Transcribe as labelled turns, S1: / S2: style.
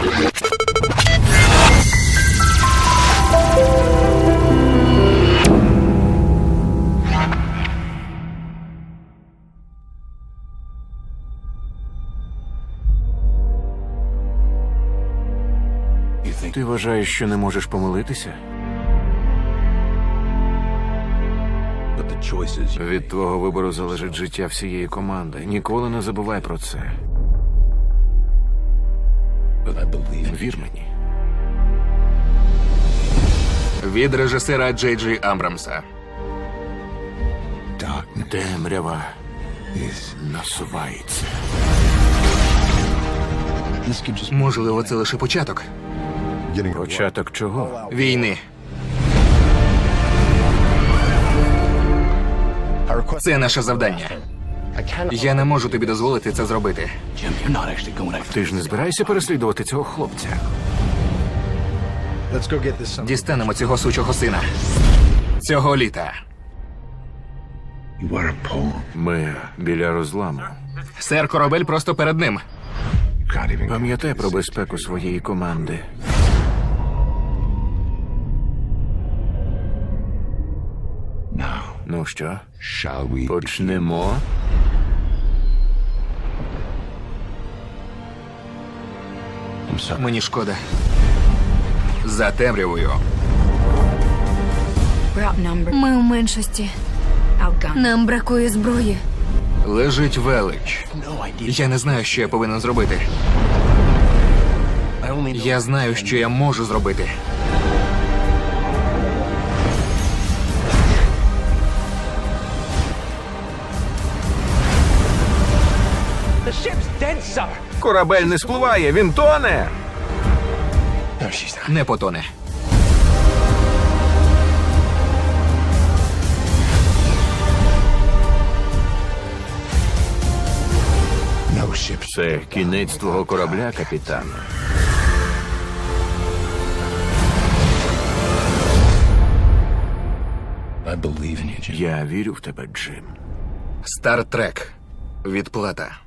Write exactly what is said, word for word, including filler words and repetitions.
S1: Ти вважаєш, що не можеш помилитися? Від твого вибору залежить життя всієї команди. Ніколи не забувай про це. Вір мені.
S2: Від режисера Джей Джей Абрамса.
S1: Темрява насувається.
S2: Можливо, це лише початок
S1: Початок чого?
S2: війни. Це наше завдання. Я не можу тобі дозволити це зробити.
S1: Ти ж не збираєшся переслідувати цього хлопця?
S2: Дістанемо цього сучого сина. Цього літа.
S1: Ми біля розламу.
S2: Сер, корабель просто перед ним.
S1: Пам'ятай про безпеку своєї команди. Ну що, почнемо?
S2: Мені шкода. За темрявою.
S3: Ми в меншості. Нам бракує зброї.
S2: Лежить велич. Я не знаю, що я повинен зробити. Я знаю, що я можу зробити.
S1: Корабель не спливає, він тоне!
S2: Не потоне.
S1: Це кінець твого корабля, капітан. Я вірю в тебе, Джим.
S2: Стартрек. Відплата.